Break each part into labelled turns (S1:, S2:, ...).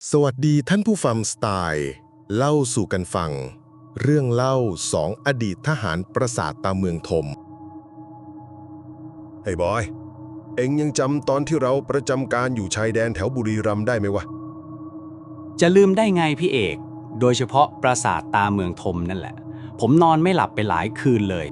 S1: สวัสดีท่านผู้ฟังสไตล์เล่าสู่กันฟังเรื่องเล่าสองอดีตทหารปราสาทตาเมืองธมเฮ้ยบอยเอ็งยังจำตอนที่เราประจำการอยู่ชายแดนแถวบุรีรัมย์ได้ไหมวะ
S2: จะลืมได้ไงพี่เอก โดยเฉพาะปราสาทตาเมืองธมนั่นแหละ ผมนอนไม่หลับไปหลายคืนเลย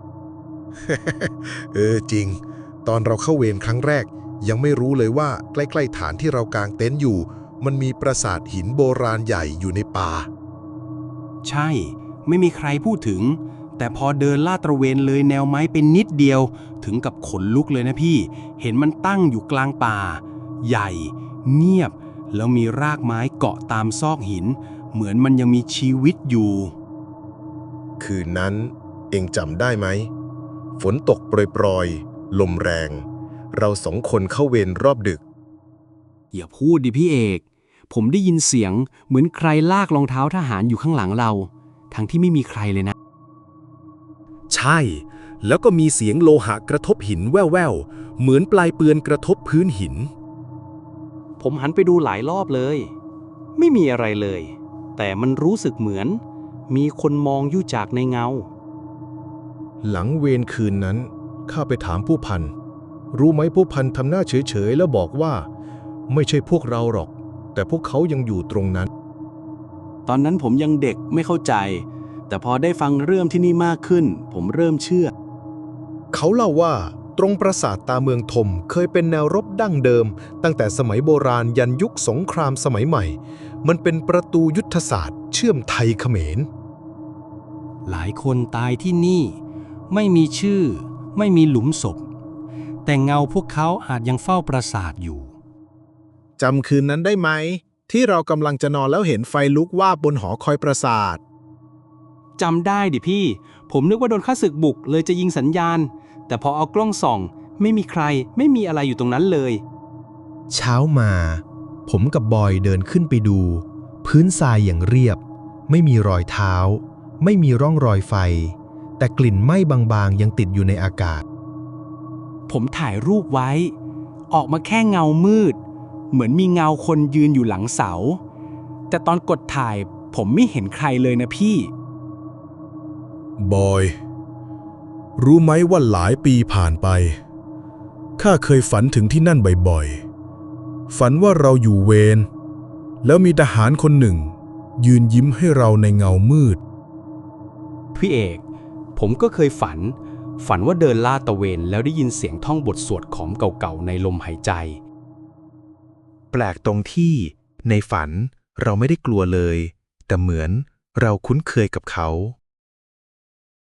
S3: จริงตอนเราเข้าเวรครั้งแรกยังไม่รู้เลยว่าใกล้ๆฐานที่เรากางเต็นท์อยู่มันมีปราสาทหินโบราณใหญ่อยู่ในป่า
S4: ใช่ ไม่มีใครพูดถึง แต่พอเดินลาดตระเวนเลยแนวไม้เป็นนิดเดียวถึงกับขนลุกเลยนะพี่ เห็นมันตั้งอยู่กลางป่า ใหญ่ เงียบ แล้วมีรากไม้เกาะตามซอกหิน เหมือนมันยังมีชีวิตอยู่
S1: คืนนั้นเอ็งจำได้ไหมฝนตกโปรยๆลมแรง เราสองคนเข้าเวรรอบดึก
S4: อย่าพูดดิพี่เอก ผมได้ยินเสียงเหมือนใครลากรองเท้าทหารอยู่ข้างหลังเรา ทั้งที่ไม่มีใครเลยนะ
S3: ใช่ แล้วก็มีเสียงโลหะกระทบหินแว่วๆเหมือนปลายปืนกระทบพื้นหิน
S2: ผมหันไปดูหลายรอบเลย ไม่มีอะไรเลย แต่มันรู้สึกเหมือน มีคนมองอยู่จากในเงา
S1: หลังเวรคืนนั้นข้าไปถามผู้พันรู้ไหมผู้พันทำหน้าเฉยๆแล้วบอกว่าไม่ใช่พวกเราหรอก แต่พวกเขายังอยู่ตรงนั้น
S4: ตอนนั้นผมยังเด็กไม่เข้าใจ แต่พอได้ฟังเรื่องที่นี่มากขึ้น ผมเริ่มเชื่อ
S1: เขาเล่าว่าตรงปราสาทตาเมืองธมเคยเป็นแนวรบดั้งเดิมตั้งแต่สมัยโบราณยันยุคสงครามสมัยใหม่ มันเป็นประตูยุทธศาสตร์เชื่อมไทยเขมร
S4: หลายคนตายที่นี่ ไม่มีชื่อ ไม่มีหลุมศพ แต่เงาพวกเขาอาจยังเฝ้าปราสาทอยู่
S5: จำคืนนั้นได้ไหมที่เรากำลังจะนอนแล้วเห็นไฟลุกวาบบนหอคอยปราสาท
S4: จำได้ดิพี่ ผมนึกว่าโดนข้าศึกบุกเลยจะยิงสัญญาณ แต่พอเอากล้องส่อง ไม่มีใคร ไม่มีอะไรอยู่ตรงนั้นเลย
S6: เช้ามา ผมกับบอยเดินขึ้นไปดู พื้นทรายอย่างเรียบ ไม่มีรอยเท้า ไม่มีร่องรอยไฟ แต่กลิ่นไหม้บางๆยังติดอยู่ในอากาศ
S4: ผมถ่ายรูปไว้ ออกมาแค่เงามืด เหมือนมีเงาคนยืนอยู่หลังเสา แต่ตอนกดถ่ายผมไม่เห็นใครเลยนะพี่
S3: บอย รู้ไหมว่าหลายปีผ่านไปข้าเคยฝันถึงที่นั่นบ่อยๆฝันว่าเราอยู่เวรแล้วมีทหารคนหนึ่ง ยืนยิ้มให้เราในเงามืด
S4: พี่เอก ผมก็เคยฝันว่าเดินลาดตระเวนแล้วได้ยินเสียงท่องบทสวดของเก่าๆในลมหายใจ
S6: แปลกตรงที่ในฝันเราไม่ได้กลัวเลย แต่เหมือนเราคุ้นเคยกับเขา